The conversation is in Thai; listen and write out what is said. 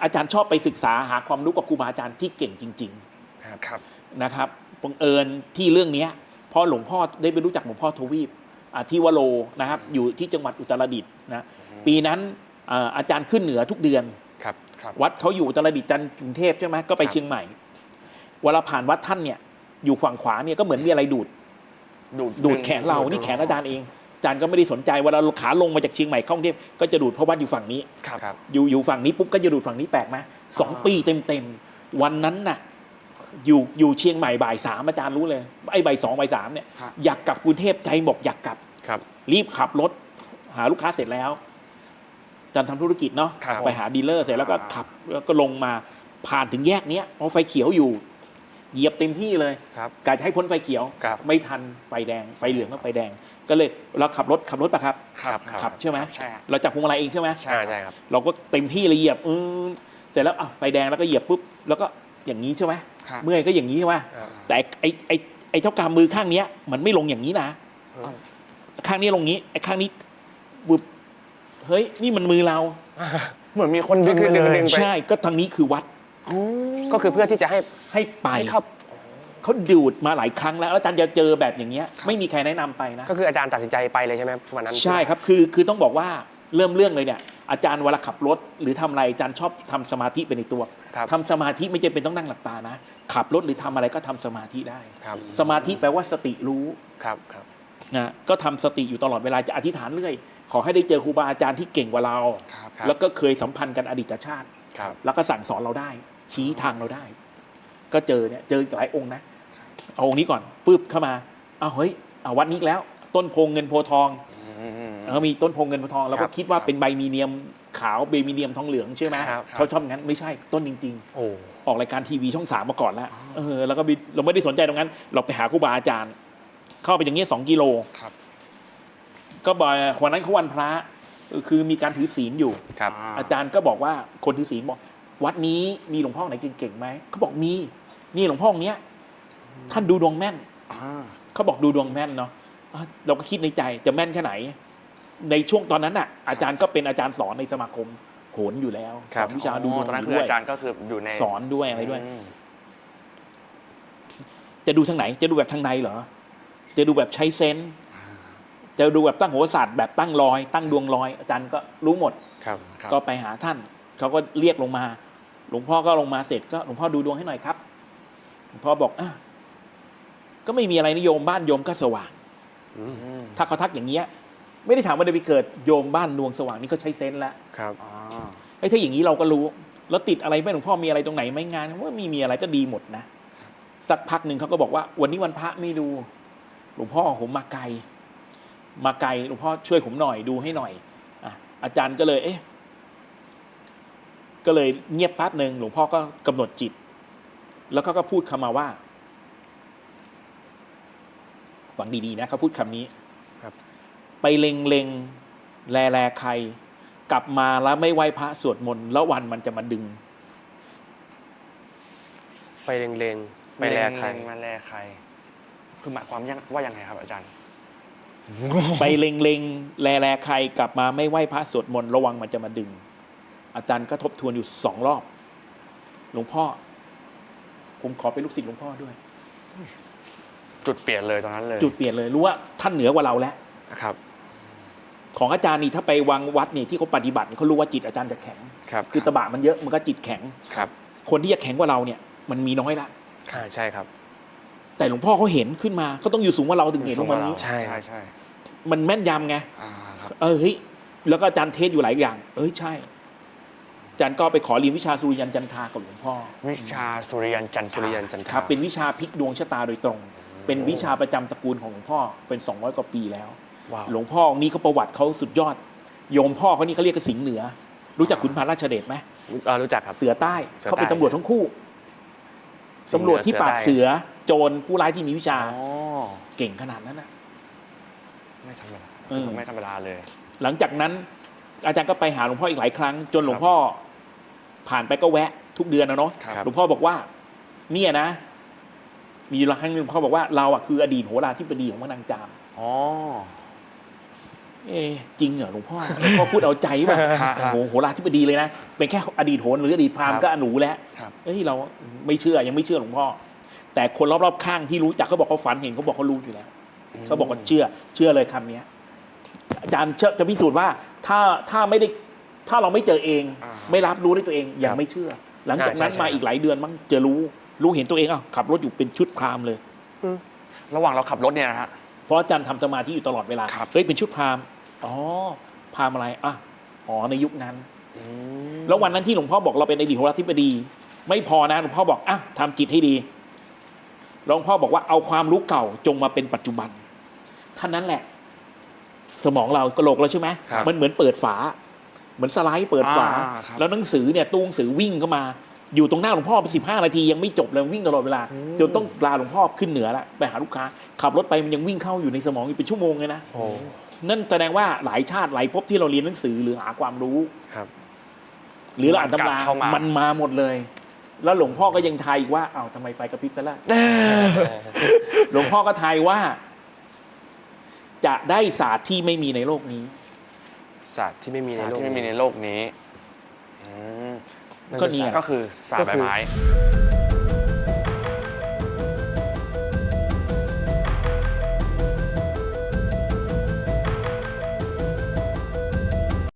อาจารย์ชอบไปศึกษาหาความรู้กับครูบาอาจารย์ที่เก่งจริงครับๆนะครับบังเอิญที่เรื่องนี้พอหลวงพ่อได้ไปรู้จักหลวงพ่อทวีปที่วโรนะครับอยู่ที่จังหวัดอุตรดิตถ์นะปีนั้นอาจารย์ขึ้นเหนือทุกเดือนวัดเขาอยู่อุตรดิตถ์จันทร์กรุงเทพใช่ไหมก็ไปเชียงใหม่เวลาผ่านวัดท่านเนี่ยอยู่ฝั่งขวาเนี่ยก็เหมือนมีอะไรดูดแขนเรานี่แขนอาจารย์เองอาจารย์ก็ไม่ได้สนใจเวลาขาลงมาจากเชียงใหม่เข้ากรุงเทพก็จะดูดเพราะวัดอยู่ฝั่งนี้อยู่ฝั่งนี้ปุ๊บก็จะดูดฝั่งนี้แปลกไหม2 ปีเต็มวันนั้นน่ะอยู่เชียงใหม่บ่าย 3อาจารย์รู้เลยไอ้บ่าย 2บ่าย 3เนี่ยอยากกลับกรุงเทพใจบอกอยากกลับรีบขับรถหาลูกค้าเสร็จแล้วอาจารย์ทำธุรกิจเนาะไปหาดีลเลอร์เสร็จแล้วก็ขับแล้วก็ลงมาผ่านถึงแยกเนี้ยไฟเขียวอยู่เหยียบเต็มที่เลยกะจะให้พ้นไฟเขียวไม่ทันไฟแดงไฟเหลืองก็ไฟแดงก็เลยเราขับรถป่ะครับขับใช่ไหมเราจับพวงมาลัยเองใช่ไหมใช่ครับเราก็เต็มที่เลยเหยียบเสร็จแล้วไฟแดงแล้วก็เหยียบปุ๊บแล้วก็อย่างนี้ใช่ไหมเมื่อยก็อย่างนี้ใช่ไหมแต่ไอ้เท่ากำมือข้างนี้มันไม่ลงอย่างนี้นะข้างนี้ลงนี้ไอ้ข้างนี้บึบเฮ้ยนี่มันมือเราเหมือนมีคนดึงใช่ก็ทางนี้คือวัดก็คือเพื่อที่จะให้ไปเขาดูดมาหลายครั้งแล้วอาจารย์จะเจอแบบอย่างเงี้ยไม่มีใครแนะนำไปนะก็คืออาจารย์ตัดสินใจไปเลยใช่ไหมวันนั้นใช่ครับคือต้องบอกว่าเริ่มเรื่องเลยเนี่ยอาจารย์เวลาขับรถหรือทำอะไรอาจารย์ชอบทำสมาธิไปในตัวทำสมาธิไม่จำเป็นต้องนั่งหลับตานะขับรถหรือทำอะไรก็ทำสมาธิได้สมาธิแปลว่าสติรู้นะก็ทำสติอยู่ตลอดเวลาจะอธิษฐานเรื่อยขอให้ได้เจอครูบาอาจารย์ที่เก่งกว่าเราแล้วก็เคยสัมพันธ์กันอดีตชาติแล้วก็สั่งสอนเราได้ชี้ทางเราได้ก็เจอหลายองค์นะเอาองค์นี้ก่อนปึ๊บเข้ามาเฮ้ยวัดนี้แล้วต้นโพเงินโพทองมีต้นโพเงินโพทองเราก็คิดว่าเป็นใบมีเนียมขาวใบมีเนียมทองเหลืองใช่ไหมเขาชอบงั้นไม่ใช่ต้นจริงๆออกรายการทีวีช่อง 3มาก่อนแล้วแล้วก็เราไม่ได้สนใจตรงนั้นเราไปหาครูบาอาจารย์เข้าไปอย่างเงี้ย2 กิโลก็บ่อยวันนั้นเขาวันพระคือมีการถือศีลอยู่อาจารย์ก็บอกว่าคนถือศีลบอกวัดนี้มีหลวงพ่อไหนเก่งๆไหมเขาบอกมีนี่หลวงพ่อเนี้ยท่านดูดวงแม่นเขาบอกดูดวงแม่นเนาะเราก็คิดในใจจะแม่นแค่ไหนในช่วงตอนนั้นน่ะอาจารย์ก็เป็นอาจารย์สอนในสมาคมโหนอยู่แล้วสอนวิชาดูดวงตอนนั้นคืออาจารย์ก็คืออยู่ในสอนด้วยอะไรด้วยจะดูทางไหนจะดูแบบทางในเหรอจะดูแบบใช้เซนส์จะดูแบบตั้งโหราศาสตร์แบบตั้งรอยตั้งดวงรอยอาจารย์ก็รู้หมดก็ไปหาท่านเขาก็เรียกลงมาหลวงพ่อก็ลงมาเสร็จก็หลวงพ่อดูดวงให้หน่อยครับหลวงพ่อบอกก็ไม่มีอะไรนิยมบ้านโยมก็สว่างถ้าเขาทักอย่างเงี้ยไม่ได้ถามว่าได้ไปเกิดโยมบ้านดวงสว่างนี่เขาใช้เซนส์แล้วถ้าอย่างนี้เราก็รู้แล้วติดอะไรไหมหลวงพ่อมีอะไรตรงไหนไหมงานว่ามีอะไรก็ดีหมดนะสักพักหนึ่งเขาก็บอกว่าวันนี้วันพระไม่ดูหลวงพ่อผมมาไกลหลวงพ่อช่วยผมหน่อยดูให้หน่อยอาจารย์ก็เลยก็เลยเงียบแป๊บหนึ่งหลวงพ่อก็กำหนดจิตแล้วก็พูดคำมาว่าฟังดีๆนะเขาพูดคำนี้ไปเล็งแลใครกลับมาแล้วไม่ไหว้พระสวดมนต์แล้ววันมันจะมาดึงไปเล็งไปแลใครมาแลใครคือหมายความว่ายังไงครับอาจารย์ไปเล็งแลใครกลับมาไม่ไหว้พระสวดมนต์ระวังมันจะมาดึงอาจารย์ก็ทบทวนอยู่2 รอบหลวงพ่อผมขอเป็นลูกศิษย์หลวงพ่อด้วยจุดเปลี่ยนเลยตอนนั้นเลยจุดเปลี่ยนเลยรู้ว่าท่านเหนือกว่าเราแล้วครับของอาจารย์นี่ถ้าไปวังวัดนี่ที่เขาปฏิบัติเขารู้ว่าจิตอาจารย์จะแข็งคือตบะมันเยอะมันก็จิตแข็งคนที่จะแข็งกว่าเราเนี่ยมันมีน้อยละใช่ครับแต่หลวงพ่อเขาเห็นขึ้นมาก็ต้องอยู่สูงกว่าเราถึงเห็นว่ามันนี้ใช่มันแม่นยำไงเฮ้ยแล้วก็อาจารย์เทศอยู่หลายอย่างใช่อาจารย์ก็ไปขอเรียนวิชาสุริยันจันทรากับหลวงพ่อวิชาสุริยันจันทราครับเป็นวิชาพลิกดวงชะตาโดยตรงเป็นวิชาประจำตระกูลของหลวงพ่อเป็น200 กว่าปีแล้วหลวงพ่อองค์นี้เขาประวัติเขาสุดยอดโยมพ่อเขานี่เขาเรียกกสิงห์เหนือรู้จักขุนพันธ์ราชเดชไหมรู้จักครับเสือใต้เขาเป็นตำรวจทั้งคู่ตำรวจที่ปราบเสือโจรผู้ร้ายที่มีวิชาเก่งขนาดนั้นนะไม่ธรรมดาไม่ธรรมดาเลยหลังจากนั้นอาจารย์ก็ไปหาหลวงพ่ออีกหลายครั้งจนหลวงพ่อผ่านไปก็แวะทุกเดือนนะเนาะหลวงพ่อบอกว่าเนี่ยนะมีครั้งนึงหลวงพ่อบอกว่าเราคืออดีตโหราธิบดีของพระนางจามจริงเหรอหลวงพ่อพูดเอาใจป่ะฮะโอ้โหโหราธิบดีเลยนะเป็นแค่อดีตโหรหรืออดีตพราหมณ์ก็อนูแล้วครับเฮ้ยเราไม่เชื่อยังไม่เชื่อหลวงพ่อแต่คนรอบๆข้างที่รู้จักเขาบอกเขาฝันเห็นเขาบอกเขารู้อยู่แล้วเขาบอกว่าเชื่อเลยคำนี้อาจารย์จะพิสูจน์ว่าถ้าไม่ได้ถ้าเราไม่เจอเอง ไม่รับรู้ด้วยตัวเองยังไม่เชื่อ หลังจากนั้นมาอีกหลายเดือนมั้งจะรู้เห็นตัวเองขับรถอยู่เป็นชุดพราหมณ์เลยระหว่างเราขับรถเนี่ยนะฮะเพราะอาจารย์ทำสมาธิอยู่ตลอดเวลาครับเฮ้ยเป็นชุดพราหมณ์อ๋อพราหมณ์อะไรในยุคนั้นอืมแล้ววันนั้นที่หลวงพ่อบอกเราเป็นอดีตโหราธิบดี ไม่พอนะหลวงพ่อบอกทำจิตให้ดีหลวงพ่อบอกว่าเอาความรู้เก่าจงมาเป็นปัจจุบันท่านั้นแหละ สมองเรากระโหลกเราใช่ไหมครับมันเหมือนเปิดฝา เหมือนสไลด์เปิดฝาครับแล้วหนังสือเนี่ยตู้หนังสือวิ่งเข้ามา อยู่ตรงหน้าหลวงพ่อไป15 นาทียังไม่จบเลยวิ่งตลอดเวลาจนต้องลาหลวงพ่อขึ้นเหนือละไปหาลูกค้าขับรถไปมันยังวิ่งเข้าอยู่ในสมองอยู่เป็นชั่วโมงเลยนะโอ้นั่นแสดงว่าหลายชาติหลายภพที่เราเรียนหนังสือหรือหาความรู้ครับหรือเราอ่านตำราเข้ามามันมาหมดเลย แล้วหลวงพ่อก็ยังทายอีกว่าทำไมไฟกระพริบซะละ หลวงพ่อก็ทายว่า จะได้ศาสตร์ที่ไม่มีในโลกนี้ศาสตร์ที่ไม่มีในศาสตโลร์กที่ไม่มีในนี้โลกนี้อืมก็นี่ไงก็คือศาสตร์ใบไม้